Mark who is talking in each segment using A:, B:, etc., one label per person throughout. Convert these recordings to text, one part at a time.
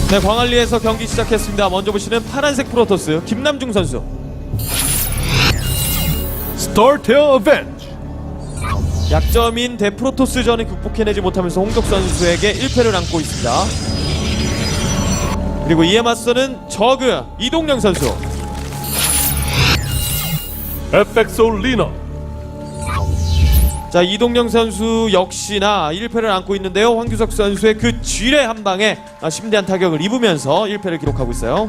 A: 네, 광안리에서 경기 시작했습니다. 먼저 보시는 파란색 프로토스 김남중 선수.
B: 스타테어 어벤지.
A: 약점인 대프로토스전을 극복해내지 못하면서 홍덕 선수에게 1패를 안고 있습니다. 그리고 이에 맞서는 저그 이동영 선수.
B: 에펙소 리너.
A: 자, 이동영 선수 역시나 1패를 안고 있는데요. 황규석 선수의 그 쥐레 한 방에 심대한 타격을 입으면서 1패를 기록하고 있어요.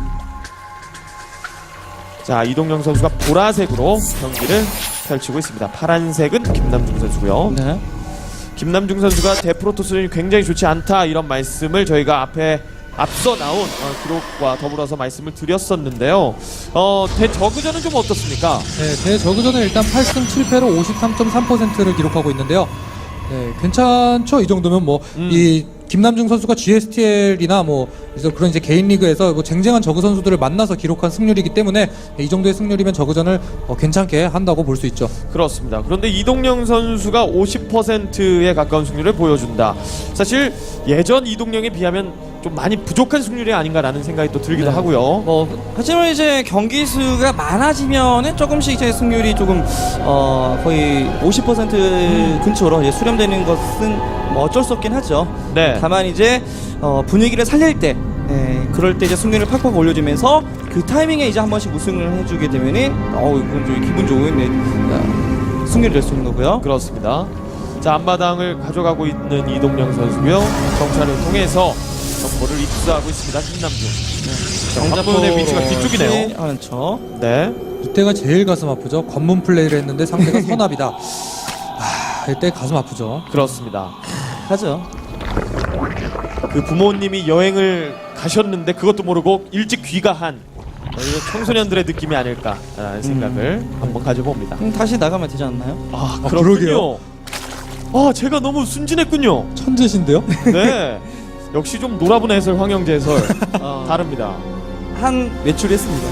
A: 자, 이동영 선수가 보라색으로 경기를 펼치고 있습니다. 파란색은 김남중 선수고요.
C: 네.
A: 김남중 선수가 대프로토스는 굉장히 좋지 않다 이런 말씀을 저희가 앞서 나온 기록과 더불어서 말씀을 드렸었는데요. 대저그전은 좀 어떻습니까?
C: 네, 대저그전은 일단 8승 7패로 53.3%를 기록하고 있는데요. 네, 괜찮죠? 이 정도면 뭐 이 김남중 선수가 GSTL이나 뭐 그런 이제 개인 리그에서 뭐 쟁쟁한 저그 선수들을 만나서 기록한 승률이기 때문에 이 정도의 승률이면 저그전을 괜찮게 한다고 볼 수 있죠.
A: 그렇습니다. 그런데 이동영 선수가 50%에 가까운 승률을 보여준다. 사실 예전 이동영에 비하면 좀 많이 부족한 승률이 아닌가라는 생각이 또 들기도
C: 네.
A: 하고요.
D: 뭐 하지만 이제 경기 수가 많아지면은 조금씩 이제 승률이 조금 거의 50% 근처로 이제 수렴되는 것은 뭐 어쩔 수 없긴 하죠.
A: 네.
D: 다만 이제 분위기를 살릴 때, 그럴 때 이제 승률을 팍팍 올려주면서 그 타이밍에 이제 한 번씩 우승을 해주게 되면은 이건 좀 기분 좋은 승률이 될 수 있는 거고요.
A: 그렇습니다. 자, 앞마당을 가져가고 있는 이동영 선수고요. 정찰을 통해서 정보를 입수하고 있습니다. 김남중. 정보의 위치가 뒤쪽이네요.
D: 그렇죠.
A: 네.
C: 이때가 제일 가슴 아프죠. 관문 플레이를 했는데 상대가 선압이다. 이때 가슴 아프죠.
A: 그렇습니다.
D: 하죠.
A: 그 부모님이 여행을 가셨는데 그것도 모르고 일찍 귀가한 청소년들의 느낌이 아닐까라는 생각을 한번 가져봅니다.
D: 다시 나가면 되지 않나요?
A: 그렇군요. 제가 너무 순진했군요.
C: 천재신데요?
A: 네. 역시 좀 놀아본 해설 황영재 해설 다릅니다.
D: 한 외출했습니다.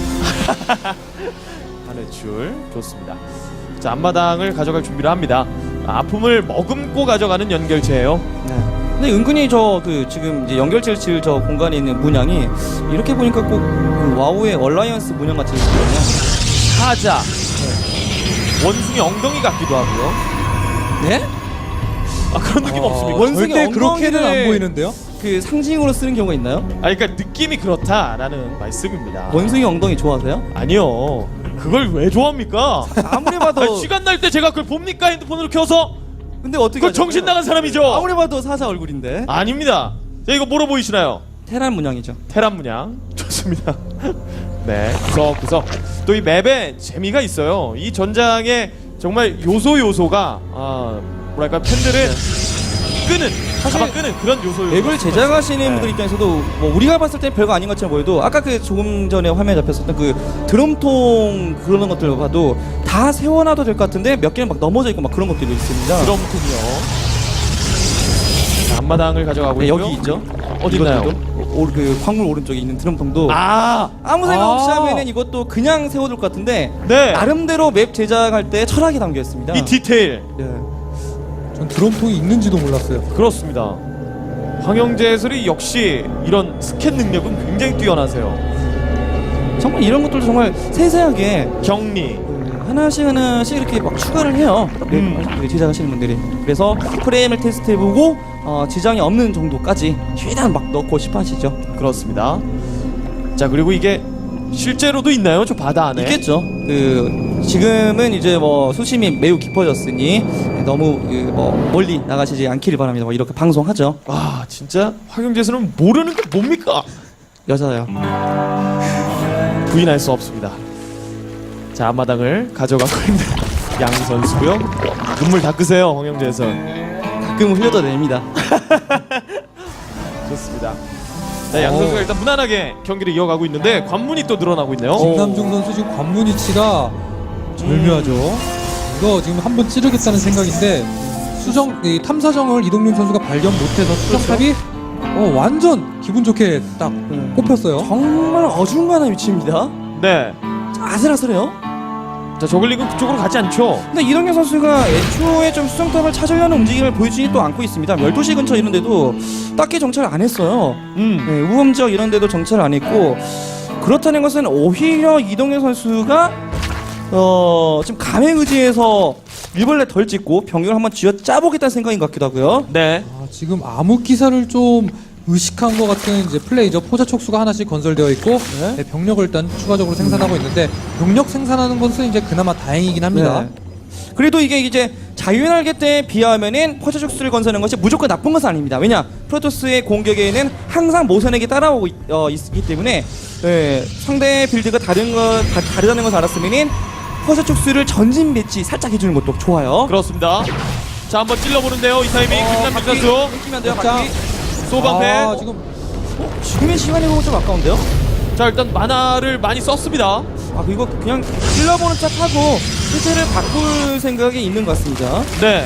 A: 한 회출 좋습니다. 자, 앞마당을 가져갈 준비를 합니다. 아픔을 머금고 가져가는 연결체예요.
D: 네. 근데 은근히 지금 이제 연결체를 지을 저 공간에 있는 문양이 이렇게 보니까 꼭 그 와우의 얼라이언스 문양 같이 있거든요.
A: 사자, 원숭이 엉덩이 같기도 하고요.
D: 네?
A: 그런 느낌 없습니까?
D: 원숭이
C: 절대 그렇게는
D: 엉덩이를
C: 안 보이는데요?
D: 그 상징으로 쓰는 경우가 있나요?
A: 그러니까 느낌이 그렇다라는 말씀입니다.
D: 원숭이 엉덩이 좋아하세요?
A: 아니요. 그걸 왜 좋아합니까?
D: 아무리 봐도
A: 시간 날 때 제가 그걸 봅니까? 핸드폰으로 켜서?
D: 근데 어떻게
A: 그건
D: 하냐고요?
A: 정신 나간 사람이죠.
D: 아무리 봐도 사자 얼굴인데.
A: 아닙니다. 자, 이거 뭐로 보이시나요?
D: 테란 문양이죠.
A: 테란 문양 좋습니다. 네, 구석구석. 또 이 맵에 재미가 있어요. 이 전장에 정말 요소가 뭐랄까 팬들을 끄는 그런 요소.
D: 맵을 제작하시는 분들 입장에서도 뭐 우리가 봤을 때 별거 아닌 것처럼 보여도 아까 그 조금 전에 화면에 잡혔었던 그 드럼통 그런 것들 봐도 다 세워놔도 될 것 같은데 몇 개는 막 넘어져 있고 막 그런 것들이 있습니다.
A: 드럼통이요. 앞마당을 가져가고 있고요.
D: 여기 있죠.
A: 어디 있나요?
D: 그 광물 오른쪽에 있는 드럼통도
A: 아.
D: 아무 생각 없이 하면은 이것도 그냥 세워둘 것 같은데
A: 네.
D: 나름대로 맵 제작할 때 철학이 담겨 있습니다.
A: 이 디테일.
D: 네.
C: 전 드럼통이 있는지도 몰랐어요.
A: 그렇습니다. 황영재 해설이 역시 이런 스캔 능력은 굉장히 뛰어나세요.
D: 정말 이런 것들도 정말 세세하게
A: 격리.
D: 하나씩 이렇게 막 추가를 해요. 제작하시는 분들이. 그래서 프레임을 테스트해보고 지장이 없는 정도까지 최대한 막 넣고 싶어 하시죠.
A: 그렇습니다. 자, 그리고 이게 실제로도 있나요? 저 바다 안에?
D: 있겠죠. 지금은 이제 뭐 수심이 매우 깊어졌으니 너무 멀리 나가시지 않기를 바랍니다. 뭐 이렇게 방송하죠.
A: 와, 진짜 황영재 해설은 모르는 게 뭡니까?
D: 여자요.
A: 부인할 수 없습니다. 자, 앞마당을 가져가고 있는 양 선수고요. 눈물 닦으세요, 황영재 해설.
D: 가끔 흘려도 됩니다.
A: 좋습니다. 자, 양 선수가 일단 무난하게 경기를 이어가고 있는데 관문이 또 늘어나고 있네요.
C: 김남중 선수 지금 관문 위치가 절묘하죠. 이거 지금 한번 찌르겠다는 생각인데 이 탐사정을 이동윤 선수가 발견 못해서 수정탑이 완전 기분 좋게 딱 꼽혔어요.
D: 정말 어중간한 위치입니다.
A: 네.
D: 아슬아슬해요.
A: 자, 저글링은 그쪽으로 가지 않죠.
D: 근데 이동현 선수가 애초에 좀 수정탑을 찾으려는 움직임을 보여주지 또 않고 있습니다. 12시 근처 이런 데도 딱히 정찰을 안 했어요. 네, 우범지역 이런 데도 정찰을 안 했고, 그렇다는 것은 오히려 이동현 선수가 지금 감에 의지해서 일벌레 덜 찍고 병력을 한번 쥐어 짜보겠다는 생각인 것 같기도 하고요.
A: 네.
C: 지금 암흑기사를 좀 의식한 것 같은 이제 플레이죠. 포자 촉수가 하나씩 건설되어 있고 네, 병력을 일단 추가적으로 생산하고 있는데 병력 생산하는 것은 이제 그나마 다행이긴 합니다.
D: 네. 그래도 이게 이제 자유날개 때에 비하면은 퍼즐축수를 건설하는 것이 무조건 나쁜 것은 아닙니다. 왜냐, 프로토스의 공격에는 항상 모선에게 따라오고 있기 때문에 상대 빌드가 다르다는 것을 알았으면은 퍼즐축수를 전진 배치 살짝 해주는 것도 좋아요.
A: 그렇습니다. 자, 한번 찔러보는데요. 이 타이밍 김남준 선수
D: 끊기면 돼요.
C: 자,
D: 바퀴.
A: 소방패.
C: 지금
D: 지금의 시간이 보면 좀 아까운데요?
A: 자, 일단 만화를 많이 썼습니다.
D: 이거 그냥 찔러보는 척하고 실체를 바꿀 생각이 있는 것 같습니다.
A: 네.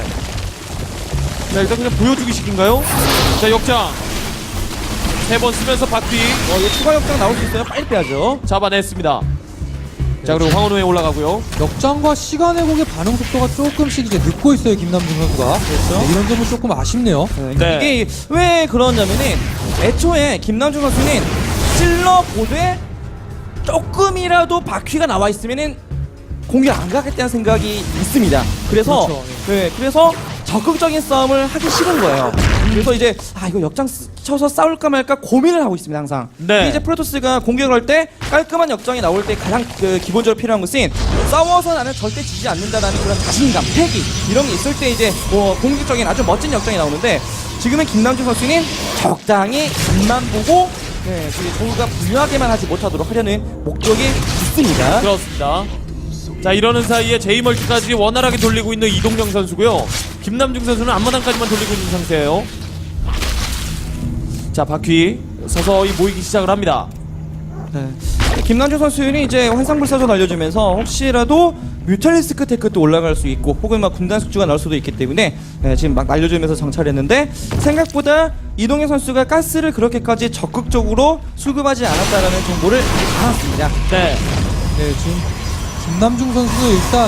A: 자, 일단 그냥 보여주기 식인가요? 자, 역장 3번 쓰면서 바퀴
D: 이거 추가 역장 나올 수 있어요? 빨리 빼야죠.
A: 잡아냈습니다. 자, 그리고 황혼호에 올라가고요.
C: 역장과 시간의 곡의 반응 속도가 조금씩 이제 늦고 있어요, 김남준 선수가.
D: 그렇죠.
C: 네, 이런 점은 조금 아쉽네요.
A: 네.
D: 이게 왜 그러냐면은 애초에 김남준 선수는 찔러보되 조금이라도 바퀴가 나와 있으면은 공격 안 가겠다는 생각이 있습니다. 그래서
C: 그렇죠.
D: 그래서 적극적인 싸움을 하기 싫은 거예요. 그래서 이제 이거 역장 쳐서 싸울까 말까 고민을 하고 있습니다, 항상.
A: 네.
D: 이제 프로토스가 공격을 할 때 깔끔한 역장이 나올 때 가장 기본적으로 필요한 것은 싸워서 나는 절대 지지 않는다라는 그런 자신감, 패기 이런 게 있을 때 이제 공격적인 아주 멋진 역장이 나오는데, 지금은 김남준 선수는 적당히 앞만 보고 조우가 불리하게만 하지 못하도록 하려는 목적이 있습니다.
A: 그렇습니다. 자, 이러는 사이에 제이멀티까지 원활하게 돌리고 있는 이동영 선수고요. 김남중 선수는 앞마당까지만 돌리고 있는 상태예요. 자, 바퀴 서서히 모이기 시작을 합니다.
D: 김남준 선수는 이제 환상불사조 날려주면서 혹시라도 뮤탈리스크 테크도 올라갈 수 있고 혹은 막 군단 숙주가 나올 수도 있기 때문에 지금 막 날려주면서 정찰했는데, 생각보다 이동현 선수가 가스를 그렇게까지 적극적으로 수급하지 않았다라는 정보를 알았습니다.
A: 네.
C: 네, 지금 김남중 선수 일단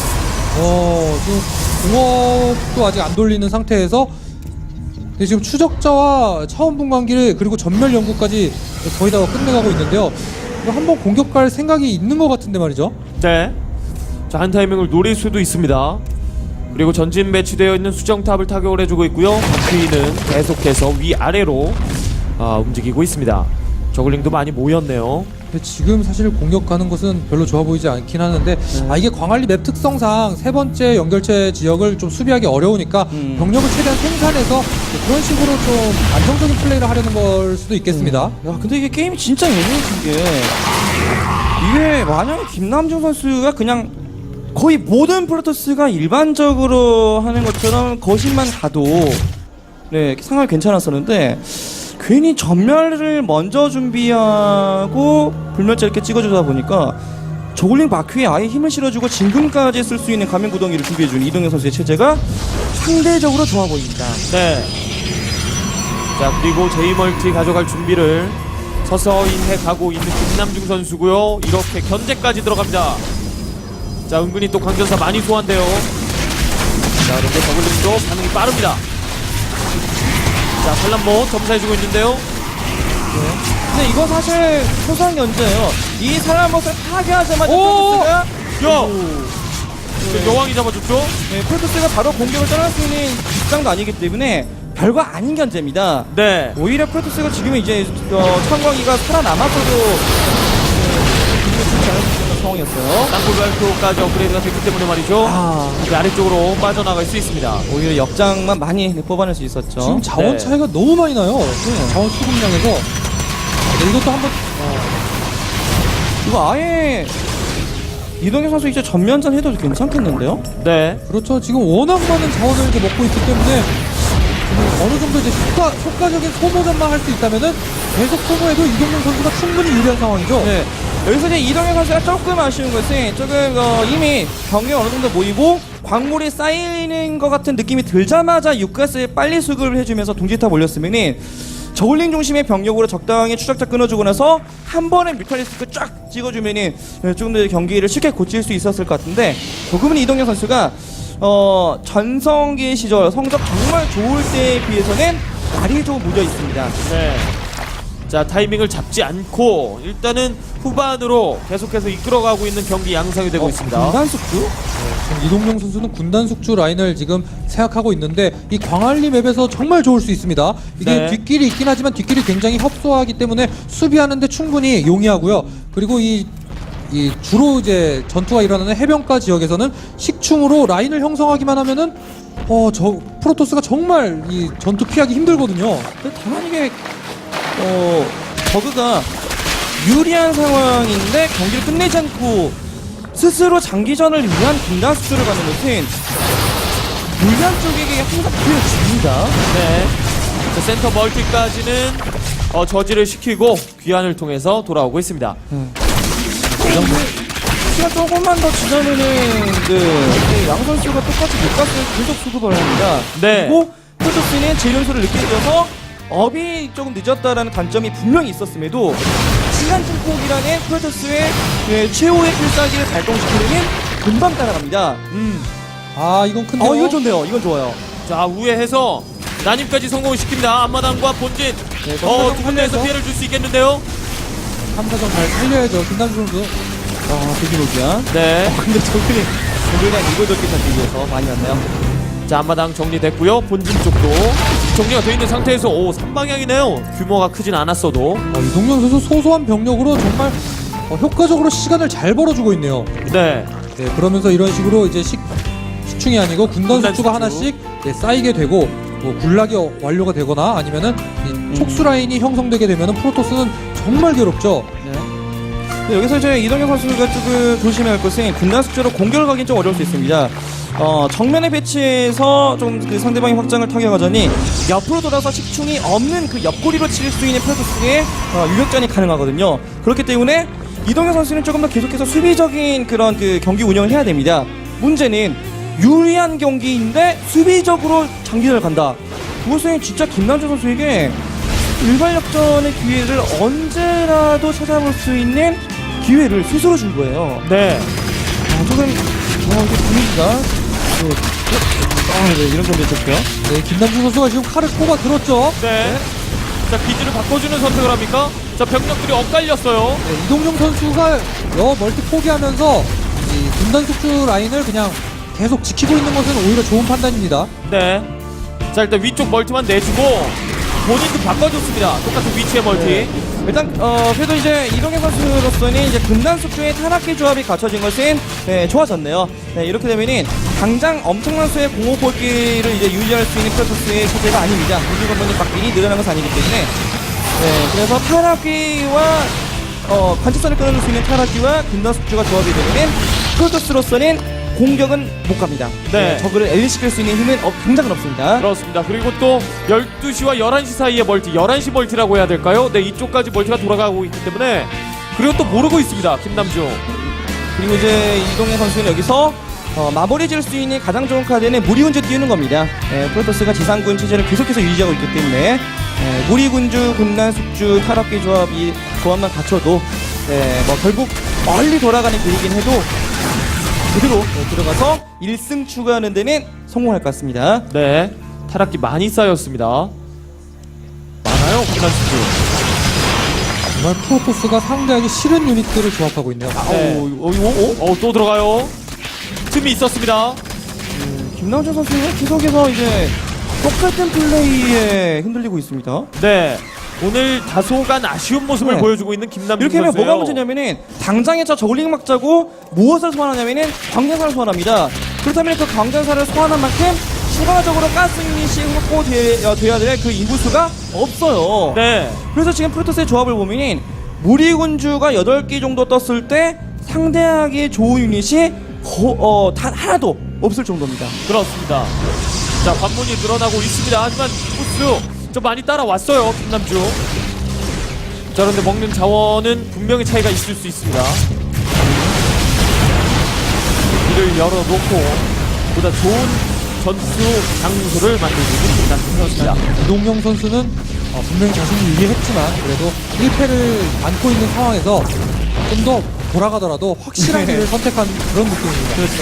C: 지금 공업도 아직 안 돌리는 상태에서 네, 지금 추적자와 차원 분광기를 그리고 전멸 연구까지 거의 다 끝내가고 있는데요. 이거 한번 공격 갈 생각이 있는 것 같은데 말이죠.
A: 네. 자, 한 타이밍을 노릴 수도 있습니다. 그리고 전진 배치되어 있는 수정탑을 타격을 해주고 있고요. 바퀴는 계속해서 위아래로 움직이고 있습니다. 저글링도 많이 모였네요.
C: 근데 지금 사실 공격하는 것은 별로 좋아 보이지 않긴 하는데 이게 광안리 맵 특성상 세 번째 연결체 지역을 좀 수비하기 어려우니까 병력을 최대한 생산해서 그런 식으로 좀 안정적인 플레이를 하려는 걸 수도 있겠습니다.
D: 야, 근데 이게 게임이 진짜 예민해진 게, 이게 만약에 김남중 선수가 그냥 거의 모든 프로토스가 일반적으로 하는 것처럼 거신만 가도 상황이 괜찮았었는데, 괜히 전멸을 먼저 준비하고 불멸자 이렇게 찍어주다 보니까 저글링 바퀴에 아예 힘을 실어주고 진금까지 쓸 수 있는 가면 구덩이를 준비해준 이동현 선수의 체제가 상대적으로 좋아 보입니다.
A: 네. 자, 그리고 제이멀티 가져갈 준비를 서서히 해가고 있는 김남중 선수고요. 이렇게 견제까지 들어갑니다. 자, 은근히 또 강전사 많이 소환돼요. 자, 그런데 저글링도 반응이 빠릅니다. 자, 팔란모 점사해주고 있는데요.
D: 근데 이거 사실 소소한 견제예요. 이 사람것을 파괴하자마자
A: 오!
D: 프로토스가
A: 여왕이 잡아줬죠?
D: 프로토스가 바로 공격을 떠날 수 있는 입장도 아니기 때문에 별거 아닌 견제입니다.
A: 네.
D: 오히려 프로토스가 지금은 이제 청광이가 살아남았어도 죽지 않을 수 있는 상황이었어요.
A: 땅굴 발표까지 업그레이드가 됐기 때문에 말이죠. 이제 아래쪽으로 빠져나갈 수 있습니다.
D: 오히려 역장만 많이 뽑아낼 수 있었죠.
C: 지금 자원
A: 네.
C: 차이가 너무 많이 나요. 자원 수급량에서. 네, 이것도 한번
D: 이거 아예 이동현 선수 이제 전면전 해도 괜찮겠는데요?
A: 네.
C: 그렇죠. 지금 워낙 많은 자원을 이제 먹고 있기 때문에 어느 정도 이제 효과적인 소모전만 할 수 있다면은 계속 소모해도 이동현 선수가 충분히 유리한 상황이죠.
D: 네. 여기서 이제 이동현 선수가 조금 아쉬운 것은 조금 이미 병력이 어느 정도 모이고 광물이 쌓이는 것 같은 느낌이 들자마자 육가스에 빨리 수급을 해주면서 둥지탑 올렸으면은 저울링 중심의 병력으로 적당히 추적자 끊어주고 나서 한 번에 뮤탈리스크 쫙 찍어주면은 조금 더 경기를 쉽게 고칠 수 있었을 것 같은데 조금은 이동현 선수가 전성기 시절 성적 정말 좋을 때에 비해서는 날이 좀 무뎌 있습니다.
A: 네. 자, 타이밍을 잡지 않고 일단은 후반으로 계속해서 이끌어가고 있는 경기 양상이 되고 있습니다.
D: 군단숙주?
C: 지금 이동용 선수는 군단 숙주 라인을 지금 생각하고 있는데 이 광안리 맵에서 정말 좋을 수 있습니다. 이게
A: 네.
C: 뒷길이 있긴 하지만 뒷길이 굉장히 협소하기 때문에 수비하는데 충분히 용이하고요. 그리고 이 주로 이제 전투가 일어나는 해변가 지역에서는 식충으로 라인을 형성하기만 하면은 저 프로토스가 정말 이 전투 피하기 힘들거든요.
D: 근데 다만 이게 버그가 유리한 상황인데 경기를 끝내지 않고 스스로 장기전을 위한 군단수를 가는 것은 불리한 쪽에게 항상 보여집니다.
A: 네. 자, 센터 멀티까지는 저지를 시키고 귀환을 통해서 돌아오고 있습니다.
D: 시간 조금만 더 지나면은 양 선수가 똑같이 못갔을 계속 수급을 합니다.
A: 네.
D: 그리고 프로토스는 재련소를 늦게 뛰어서 업이 조금 늦었다라는 단점이 분명히 있었음에도 시간 증폭이라는 프로토스의 최후의 필살기를 발동시키려면 금방 따라갑니다.
C: 이건 큰데요.
D: 이건 좋네요. 이건 좋아요.
A: 자, 우회해서 난입까지 성공을 시킵니다. 앞마당과 본진.
D: 네,
A: 두 군데에서 피해를 줄 수 있겠는데요.
C: 3사정 잘 살려야죠. 김남주 선수.
D: 대기록이야.
A: 네.
D: 근데 저분이 그냥 이걸 적게 잡기 위해서 많이 왔네요.
A: 자, 앞마당 정리됐고요. 본진 쪽도 정리가 되어 있는 상태에서 3방향이네요. 규모가 크진 않았어도.
C: 이동용 선수 소소한 병력으로 정말 효과적으로 시간을 잘 벌어주고 있네요.
A: 네.
C: 네, 그러면서 이런 식으로 이제 식충이 아니고 군단
A: 군단
C: 숙주가
A: 숙주.
C: 하나씩 쌓이게 되고 뭐 군락이 완료가 되거나 아니면은 이 촉수 라인이 형성되게 되면은 프로토스는 정말 괴롭죠.
D: 네, 여기서 이제 이동현 선수가 조금 조심해야 할 것은 군단 숙제로 공격을 가긴 좀 어려울 수 있습니다. 정면에 배치해서 좀 그 상대방의 확장을 타격하자니 옆으로 돌아서 식충이 없는 그 옆구리로 칠 수 있는 프로토스의 유격전이 가능하거든요. 그렇기 때문에 이동현 선수는 조금 더 계속해서 수비적인 그런 그 경기 운영을 해야 됩니다. 문제는 유리한 경기인데 수비적으로 장기전을 간다. 그것은 진짜 김남주 선수에게 일반 역전의 기회를 언제라도 찾아볼 수 있는 기회를 스스로 준 거예요.
A: 네.
D: 조금 이게 분위기가 이런 점이 있었고요.
C: 네, 김남주 선수가 지금 칼을 꼽아 들었죠.
A: 네. 자, 기지를 바꿔주는 선택을 합니까? 자, 병력들이 엇갈렸어요.
C: 네, 이동용 선수가 멀티 포기하면서 이 군단 숙주 라인을 그냥 계속 지키고 있는 것은 오히려 좋은 판단입니다.
A: 네. 자, 일단 위쪽 멀티만 내주고 본인도 바꿔줬습니다. 똑같은 위치의 멀티.
D: 네. 일단 그래도 이제 이동현 선수로서는 이제 군단 숙주의 타락기 조합이 갖춰진 것은 좋아졌네요. 네, 이렇게 되면은 당장 엄청난 수의 공호볼기를 이제 유지할 수 있는 프로토스의 체제가 아닙니다. 우주 건물이 막 미리 늘어난 것은 아니기 때문에 그래서 타락기와 관측선을 끊어줄 수 있는 타락기와 군단 숙주가 조합이 되면은 프로토스로서는 공격은 못 갑니다.
A: 네.
D: 저그를 엘리시킬 수 있는 힘은 당장은 없습니다.
A: 그렇습니다. 그리고 또 12시와 11시 사이의 멀티, 11시 멀티라고 해야 될까요? 네, 이쪽까지 멀티가 돌아가고 있기 때문에 그리고 또 모르고 있습니다. 김남중.
D: 그리고 이제 이동현 선수는 여기서 마무리 지을 수 있는 가장 좋은 카드는 무리군주 띄우는 겁니다. 프로토스가 지상군 체제를 계속해서 유지하고 있기 때문에 무리군주, 군단, 숙주, 타락기 조합만 갖춰도 뭐 결국 멀리 돌아가는 길이긴 해도 그대로 들어가서 1승 추가하는 데는 성공할 것 같습니다.
A: 네. 타락기 많이 쌓였습니다. 많아요, 김남중.
C: 정말 프로토스가 상대하기 싫은 유닛들을 조합하고 있네요.
A: 네. 또 들어가요. 틈이 있었습니다.
D: 김남준 선수는 계속해서 이제 똑같은 플레이에 흔들리고 있습니다.
A: 네. 오늘 다소간 아쉬운 모습을
D: 네.
A: 보여주고 있는 김남중
D: 이렇게 하면
A: 선수예요.
D: 뭐가 문제냐면은 당장에 저 저글링 막자고 무엇을 소환하냐면은 광전사를 소환합니다. 그렇다면 그 광전사를 소환한 만큼 추가적으로 가스 유닛이 확보돼야 될 그 인구수가 없어요.
A: 네.
D: 그래서 지금 프로토스의 조합을 보면은 무리군주가 8개 정도 떴을 때 상대하기 좋은 유닛이 단 하나도 없을 정도입니다.
A: 그렇습니다. 자, 관문이 늘어나고 있습니다. 하지만 코스 좀 많이 따라왔어요, 김남중. 자, 그런데 먹는 자원은 분명히 차이가 있을 수 있습니다. 이를 열어놓고 보다 좋은 전투 장소를 만들고 있는 김남중 선수입니다.
C: 이동영 선수는 분명히 자신이 유리했지만 그래도 1패를 안고 있는 상황에서 좀 더 돌아가더라도 확실한 길을 선택한 그런 느낌입니다.
D: 그렇죠.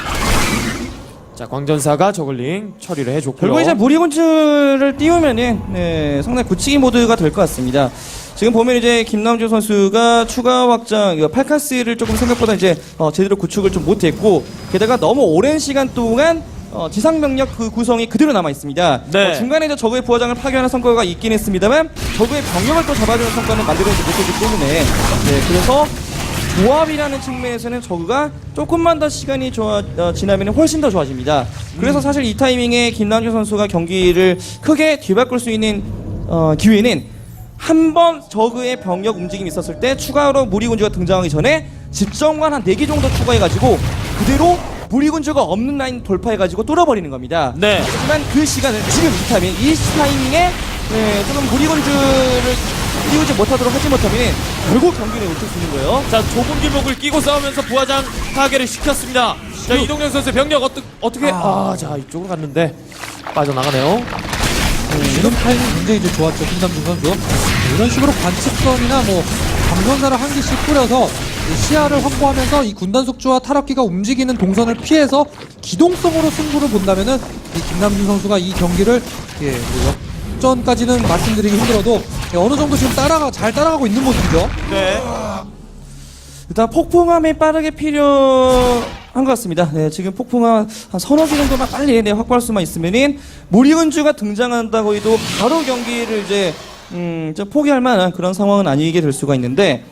A: 자, 광전사가 저글링 처리를 해줬고요.
D: 결국 이제 무리군주를 띄우면은 네, 상당히 굳히기 모드가 될 것 같습니다. 지금 보면 이제 김남주 선수가 추가 확장, 팔카스를 조금 생각보다 이제 제대로 구축을 좀 못했고, 게다가 너무 오랜 시간 동안 지상 병력 그 구성이 그대로 남아 있습니다.
A: 네.
D: 중간에 이제 적의 부하장을 파괴하는 성과가 있긴 했습니다만 적의 병력을 또 잡아주는 성과는 만들어내지 못했기 때문에 네, 그래서 조합이라는 측면에서는 저그가 조금만 더 시간이 지나면 훨씬 더 좋아집니다. 그래서 사실 이 타이밍에 김남주 선수가 경기를 크게 뒤바꿀 수 있는 기회는 한 번 저그의 병력 움직임이 있었을 때 추가로 무리군주가 등장하기 전에 집정관 한 4개 정도 추가해가지고 그대로 무리군주가 없는 라인 돌파해가지고 뚫어버리는 겁니다.
A: 네.
D: 하지만 그 시간을 지금 이 타이밍에 네, 조금 무리군주를 띄우지 못하도록 하지 못하면 결국 경기를 놓칠 수 있는 거예요.
A: 자, 좁은 길목을 끼고 싸우면서 부하장 파괴를 시켰습니다. 자, 이동현 선수의 병력 어떻게 자, 이쪽으로 갔는데 빠져나가네요.
C: 지금 타이밍 굉장히 이제 좋았죠, 김남준 선수. 이런 식으로 관측선이나 뭐 감전사를 한 개씩 뿌려서 이 시야를 확보하면서 이 군단 숙주와 타락기가 움직이는 동선을 피해서 기동성으로 승부를 본다면은 이 김남준 선수가 이 경기를 뭐 역전까지는 말씀드리기 힘들어도 어느 정도 지금 잘 따라가고 있는 모습이죠.
A: 네.
D: 일단 폭풍함이 빠르게 필요한 것 같습니다. 네, 지금 폭풍함 한 서너 개 정도만 빨리 확보할 수만 있으면은 무리군주가 등장한다고 해도 바로 경기를 이제 좀 포기할 만한 그런 상황은 아니게 될 수가 있는데,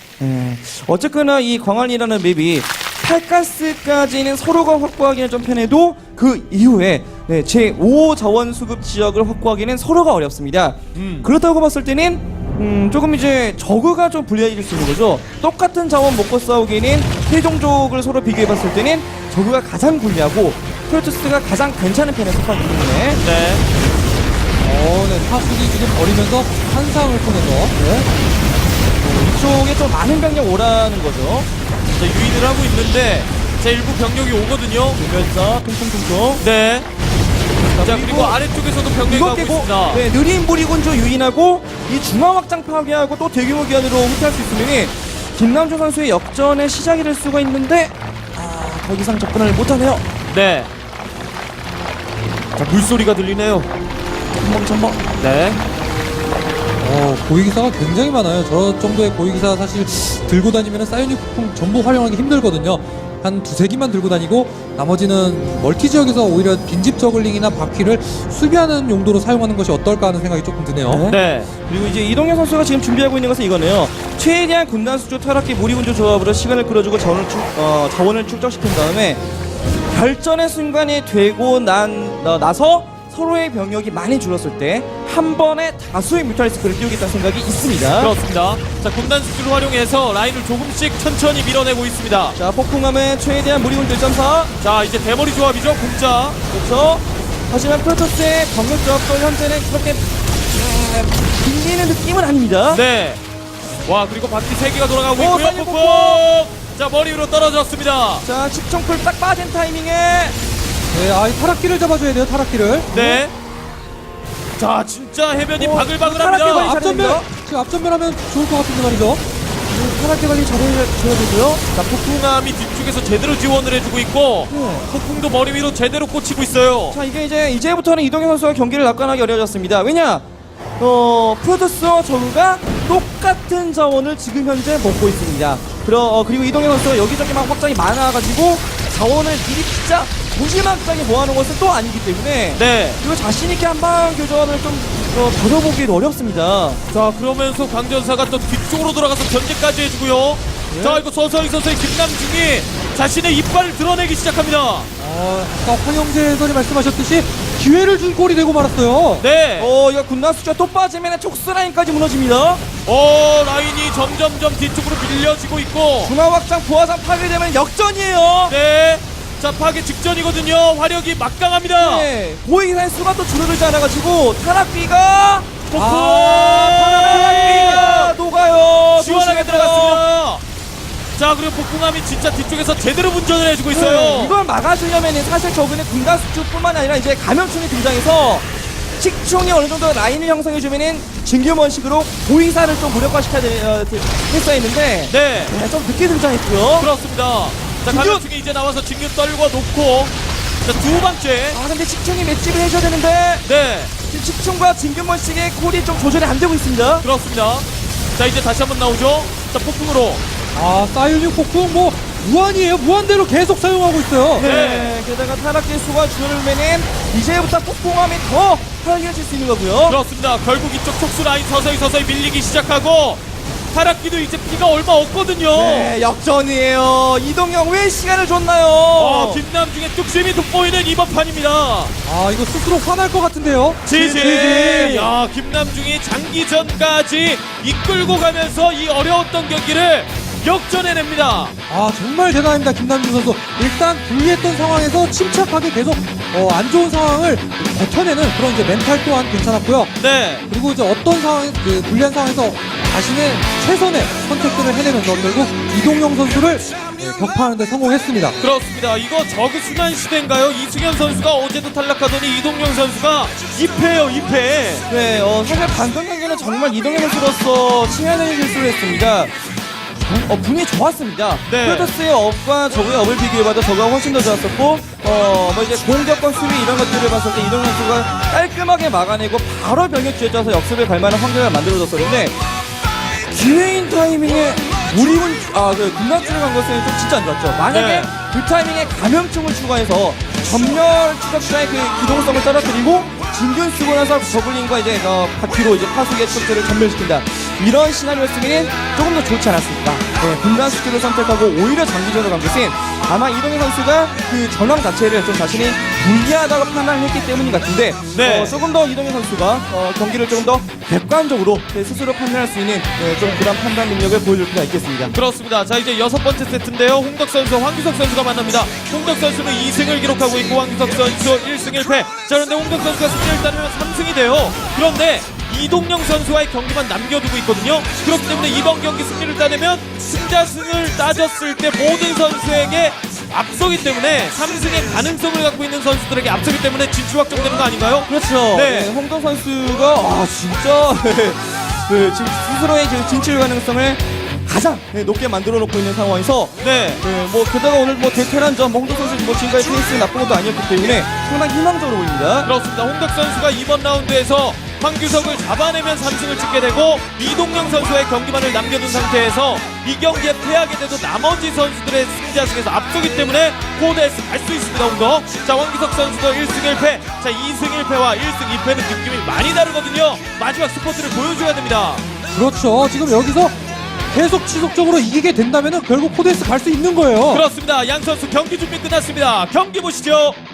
D: 어쨌거나 이 광안이라는 맵이 팔가스까지는 서로가 확보하기는 좀 편해도 그 이후에 제5 자원 수급 지역을 확보하기는 서로가 어렵습니다. 그렇다고 봤을 때는 조금 이제 저그가 좀 불리해질 수 있는 거죠. 똑같은 자원 먹고 싸우기에는 세종족을 서로 비교해봤을 때는 저그가 가장 불리하고 프로토스가 가장 괜찮은 편에 속하기 때문에
A: 네.
C: 네, 타수기 지금 버리면서 한상을 통해서
D: 이쪽에 좀 많은 병력 오라는 거죠.
A: 자, 유인을 하고 있는데 자, 일부 병력이 오거든요.
D: 그래서 퉁퉁퉁퉁.
A: 네. 자, 그리고 아래쪽에서도 병력이
D: 이것
A: 가고
D: 깨고
A: 있습니다.
D: 네, 느린 무리군주 유인하고 이 중앙 확장 파괴하고 또 대규모 기한으로 후퇴할 수 있으면 김남주 선수의 역전의 시작이 될 수가 있는데 더 이상 접근을 못하네요.
A: 네. 자, 물소리가 들리네요.
D: 첨벙첨벙.
A: 네.
C: 고위기사가 굉장히 많아요. 저 정도의 고위기사 사실 들고 다니면 사이오닉 폭풍 전부 활용하기 힘들거든요. 한 두세 기만 들고 다니고 나머지는 멀티 지역에서 오히려 빈집 저글링이나 바퀴를 수비하는 용도로 사용하는 것이 어떨까 하는 생각이 조금 드네요.
A: 네.
D: 그리고 이제 이동현 선수가 지금 준비하고 있는 것은 이거네요. 최대한 군단 수조 타락기 무리군주 조합으로 시간을 끌어주고 자원을 축적시킨 다음에 결전의 순간이 되고 나서 서로의 병력이 많이 줄었을 때 한 번에 다수의 뮤탈리스크를 띄우겠다는 생각이 있습니다.
A: 그렇습니다. 자, 군단 수술을 활용해서 라인을 조금씩 천천히 밀어내고 있습니다.
D: 자, 폭풍함은 최대한 무리군주 1.4.
A: 자, 이제 대머리 조합이죠, 공짜.
D: 그렇죠. 하지만 프로토스의 병력 조합도 현재는 그렇게 빌리는 느낌은 아닙니다.
A: 네. 와, 그리고 바퀴 3개가 돌아가고
D: 오,
A: 있고요.
D: 빨리
A: 폭풍.
D: 폭풍!
A: 자, 머리 위로 떨어졌습니다.
D: 자, 측정풀 딱 빠진 타이밍에
C: 이 타락기를 잡아줘야 돼요, 타락기를.
A: 네. 자, 진짜 해변이
D: 타락기
A: 바글바글합니다.
D: 관리
C: 앞전면, 지금 앞전면하면 좋을 것 같은데 말이죠.
D: 타락기 관리 잘해줘야 되고요.
A: 자, 폭풍함이 뒤쪽에서 제대로 지원을 해주고 있고 폭풍도 머리 위로 제대로 꽂히고 있어요.
D: 자, 이게 이제부터는 이동현 선수가 경기를 낙관하기 어려워졌습니다. 왜냐? 프로토스와 저그가 똑같은 자원을 지금 현재 먹고 있습니다. 그리고 이동현 선수가 여기저기 막 확장이 많아가지고 자원을 미리 진짜 무지막지하게 모아놓은 것은 또 아니기 때문에
A: 네.
D: 그리고 자신있게 한방 교전을 좀 벌여보기도 어렵습니다.
A: 자, 그러면서 광전사가 또 뒤쪽으로 돌아가서 견제까지 해주고요. 자, 이거 서서히 김남중이 자신의 이빨을 드러내기 시작합니다.
C: 아까 황영재 해설이 말씀하셨듯이 기회를 준 꼴이 되고 말았어요.
A: 네.
D: 이거 군단 수가 또 빠지면 촉수 라인까지 무너집니다.
A: 라인이 점점점 뒤쪽으로 밀려지고 있고.
D: 중앙 확장 부하장 파괴되면 역전이에요.
A: 네. 자, 파괴 직전이거든요. 화력이 막강합니다.
D: 네, 고위기사의 수가 또 줄어들지 않아가지고 타락비가 타락비가 녹아요.
A: 시원하게
D: 조심해서.
A: 들어갔습니다. 자, 그리고 폭풍함이 진짜 뒤쪽에서 제대로 운전을 해주고 있어요.
D: 이걸 막아주려면 사실 저그는 군단 수축뿐만 아니라 이제 감염충이 등장해서 식충이 어느 정도 라인을 형성해주면은 진규먼식으로 보이사를 좀 무력화시켜야 했어야 했는데
A: 네.
D: 좀 늦게 등장했고요.
A: 그렇습니다. 자, 가면충이 이제 나와서 진균 떨고 놓고 자, 두 번째.
D: 아 근데 식충이 맷집을 해줘야 되는데
A: 네.
D: 지금 식충과 진규먼식의 콜이 좀 조절이 안 되고 있습니다.
A: 그렇습니다. 자, 이제 다시 한번 나오죠. 자, 폭풍으로.
C: 아, 사이오닉 폭풍 뭐 무한이에요. 무한대로 계속 사용하고 있어요.
D: 네. 게다가 타락질 수가 줄면은 이제부터 폭풍함이 더 활기해질 수 있는 거고요.
A: 그렇습니다. 결국 이쪽 촉수 라인 서서히 밀리기 시작하고 타락기도 이제 피가 얼마 없거든요.
D: 네, 역전이에요. 이동영 왜 시간을 줬나요?
A: 김남중의 뚝심이 돋보이는 이번 판입니다.
C: 아, 이거 스스로 화날 것 같은데요.
A: 지지. 야, 김남중이 장기전까지 이끌고 가면서 이 어려웠던 경기를 역전해냅니다.
C: 아, 정말 대단합니다. 김남준 선수. 일단 불리했던 상황에서 침착하게 계속 안 좋은 상황을 버텨내는 그런 이제 멘탈 또한 괜찮았고요.
A: 네.
C: 그리고 이제 어떤 상황, 그 불리한 상황에서 자신의 최선의 선택들을 해내면서 결국 이동영 선수를 격파하는 데 성공했습니다.
A: 그렇습니다. 이거 저그 순환 시대인가요? 이승현 선수가 어제도 탈락하더니 이동영 선수가 2패예요, 2패.
D: 네, 사실 방금 경기는 정말 이동현 선수로서 치명적인 실수를 했습니다. 분이 좋았습니다.
A: 네.
D: 프로토스의 업과 저그의 업을 비교해봐도 저그가 훨씬 더 좋았었고, 뭐 이제 공격과 수비 이런 것들을 봤을 때 이동현 선수가 깔끔하게 막아내고 바로 병력 쥐어짜서 역습을 갈 만한 환경을 만들어줬었는데, 기회인 타이밍에 우리군, 군단주를 간 것은 좀 진짜 안 좋았죠. 만약에
A: 네.
D: 그 타이밍에 감염증을 추가해서 전멸 추적자의 그 기동성을 떨어뜨리고 진균 쓰고 나서 저글링과 이제 바퀴로 이제 파수기의 척들을 전멸시킨다. 이런 시나리오였으면 조금 더 좋지 않았을까. 네, 분단 스킬을 선택하고 오히려 장기전으로 간 것은 아마 이동현 선수가 그 전황 자체를 좀 자신이 불리하다고 판단했기 때문인 것 같은데
A: 네.
D: 조금 더 이동현 선수가 경기를 조금 더 객관적으로 스스로 판단할 수 있는 좀 그런 판단 능력을 보여줄 필요가 있겠습니다.
A: 그렇습니다. 자, 이제 6번째 세트인데요. 홍덕 선수와 황규석 선수가 만납니다. 홍덕 선수는 2승을 기록하고 있고 황규석 선수 1승 1패. 자, 그런데 홍덕 선수가 승리를 따르면 3승이 돼요. 그런데 이동영 선수와의 경기만 남겨두고 있거든요. 그렇기 때문에 이번 경기 승리를 따내면 승자승을 따졌을 때 모든 선수에게 앞서기 때문에 3승의 가능성을 갖고 있는 선수들에게 앞서기 때문에 진출 확정되는 거 아닌가요?
D: 그렇죠.
A: 네.
D: 네, 홍동 선수가 진짜 지금 스스로의 그 진출 가능성을 가장 높게 만들어 놓고 있는 상황에서
A: 네.
D: 뭐 게다가 오늘 뭐 대테란전 홍동 선수 뭐 지금까지 페이스 나쁜 것도 아니었기 때문에 상당히 희망적으로 보입니다.
A: 그렇습니다. 홍덕 선수가 이번 라운드에서 황규석을 잡아내면 3승을 찍게 되고 이동영 선수의 경기만을 남겨둔 상태에서 이 경기에 패하게 돼도 나머지 선수들의 승자승에서 앞서기 때문에 코드에서 갈 수 있습니다. 홍덕. 자, 황규석 선수도 1승 1패. 자, 2승 1패와 1승 2패는 느낌이 많이 다르거든요. 마지막 스포츠를 보여줘야 됩니다.
C: 그렇죠. 지금 여기서 계속 지속적으로 이기게 된다면 결국 코데스 갈 수 있는 거예요.
A: 그렇습니다. 양 선수 경기 준비 끝났습니다. 경기 보시죠.